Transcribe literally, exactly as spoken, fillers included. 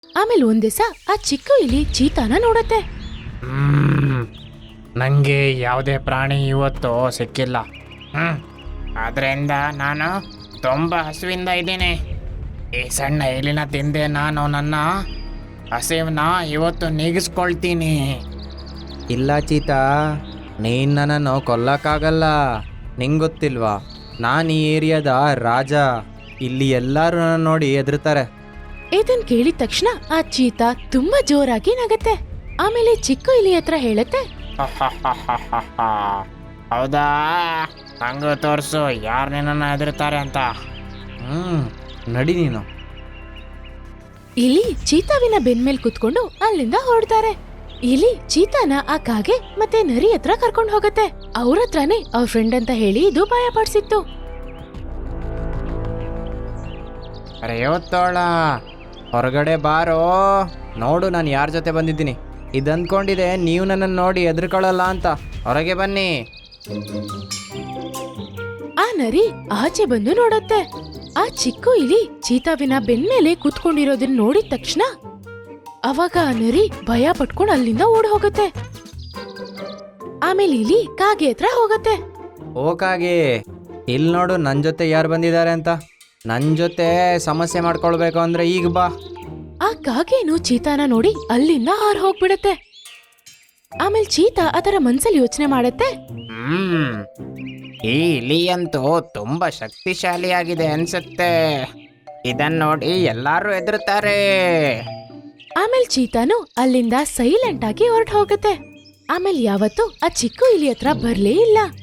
ಆಮೇಲೆ ಒಂದ್ ದಿವಸ ಆ ಚಿಕ್ಕ ಇಲಿ ಚೀತಾನ ನೋಡತ್ತೆ. ಹ್ಮ್ ನನಗೆ ಯಾವುದೇ ಪ್ರಾಣಿ ಇವತ್ತು ಸಿಕ್ಕಿಲ್ಲ. ಹ್ಮ್ ಅದರಿಂದ ನಾನು ತುಂಬ ಹಸುವಿಂದ ಇದ್ದೀನಿ. ಈ ಸಣ್ಣ ಎಲಿನ ತಿಂದೆ ನಾನು ನನ್ನ ಹಸಿವನ್ನ ಇವತ್ತು ನೀಗಿಸ್ಕೊಳ್ತೀನಿ. ಇಲ್ಲ ಚೀತಾ, ನೀನು ನನ್ನನ್ನು ಕೊಲ್ಲಕ್ಕಾಗಲ್ಲ. ನಿಂಗೆ ಗೊತ್ತಿಲ್ವಾ, ನಾನು ಈ ಏರಿಯಾದ ರಾಜ. ಇಲ್ಲಿ ಎಲ್ಲರೂ ನನ್ನ ನೋಡಿ ಹೆದರ್ತಾರೆ. ಇದನ್ ಕೇಳಿದ ತಕ್ಷಣ ಆ ಚೀತಾ ತುಂಬಾ ಜೋರಾಗಿ ನಗತ್ತೆ. ಆಮೇಲೆ ಚಿಕ್ಕ ಇಲಿ ಹತ್ರ ಹೇಳತ್ತೆ, ಹೌದಾ, ಹಂಗ ತೋರಿಸು ಯಾರು ನಿನ್ನನ್ನು ಹೆದರ್ತಾರೆ ಅಂತ. ಹ್ಮ್ ನಡಿ ನೀನು. ಇಲಿ ಚೀತಾವಿನ ಬೆನ್ಮೇಲ್ ಕುತ್ಕೊಂಡು ಅಲ್ಲಿಂದ ಹೊರಡ್ತಾರೆ. ಇಲಿ ಚೀತಾನ ಆ ಕಾಗೆ ಮತ್ತೆ ನರಿ ಹತ್ರ ಕರ್ಕೊಂಡು ಹೋಗತ್ತೆ. ಅವ್ರ ಹತ್ರನೇ ಅವ್ರ ಫ್ರೆಂಡ್ ಅಂತ ಹೇಳಿ ಇದು ಭಯ ಪಡಿಸಿತ್ತು. ಅರೆ ಇವತ್ತೋಳ, ಹೊರಗಡೆ ಬಾರೋ, ನೋಡು ನಾನು ಯಾರ ಜೊತೆ ಬಂದಿದ್ದೀನಿ. ಇದಂದ್ಕೊಂಡಿದೆ ನೀವು ನನ್ನನ್ನು ನೋಡಿ ಹೆದರ್ಕೊಳ್ಳಲ್ಲ ಅಂತ. ಹೊರಗೆ ಬನ್ನಿ. ಆ ನರಿ ಆಚೆ ಬಂದು ನೋಡತ್ತೆ. ಆ ಚಿಕ್ಕ ಇಲಿ ಚೀತಾವಿನ ಬೆನ್ಮೇಲೆ ಕುತ್ಕೊಂಡಿರೋದನ್ನ ನೋಡಿದ ತಕ್ಷಣ ಅವಾಗ ಆ ನರಿ ಭಯ ಪಟ್ಕೊಂಡು ಅಲ್ಲಿಂದ ಓಡ್ ಹೋಗತ್ತೆ. ಆಮೇಲೆ ಇಲಿ ಕಾಗೆ ಹತ್ರ ಹೋಗತ್ತೆ. ಓಕಾಗೆ, ಇಲ್ಲಿ ನೋಡು ನನ್ನ ಜೊತೆ ಯಾರು ಬಂದಿದ್ದಾರೆ ಅಂತ. ನನ್ನ ಜೊತೆ ಸಮಸ್ಯೆ ಮಾಡ್ಕೊಳ್ಬೇಕು ಅಂದ್ರೆ ಈಗ ಬಾ. ಆ ಕಾಗೆನು ಚೀತಾನ ನೋಡಿ ಅಲ್ಲಿಂದ ಹಾರ್ ಹೋಗ್ಬಿಡತ್ತೆ. ಆಮೇಲೆ ಚೀತಾ ಅದರ ಮನ್ಸಲ್ಲಿ ಯೋಚನೆ ಮಾಡತ್ತೆ, ಹ್ಮ್ ಈ ಇಲಿ ಅಂತೂ ತುಂಬಾ ಶಕ್ತಿಶಾಲಿಯಾಗಿದೆ ಅನ್ಸುತ್ತೆ. ಇದನ್ನ ನೋಡಿ ಎಲ್ಲಾರು ಹೆದರ್ತಾರೆ. ಆಮೇಲೆ ಚೀತಾನು ಅಲ್ಲಿಂದ ಸೈಲೆಂಟ್ ಆಗಿ ಹೊರಟು ಹೋಗತ್ತೆ. ಆಮೇಲೆ ಯಾವತ್ತೂ ಆ ಚಿಕ್ಕ ಇಲಿ ಹತ್ರ ಬರ್ಲೇ ಇಲ್ಲ.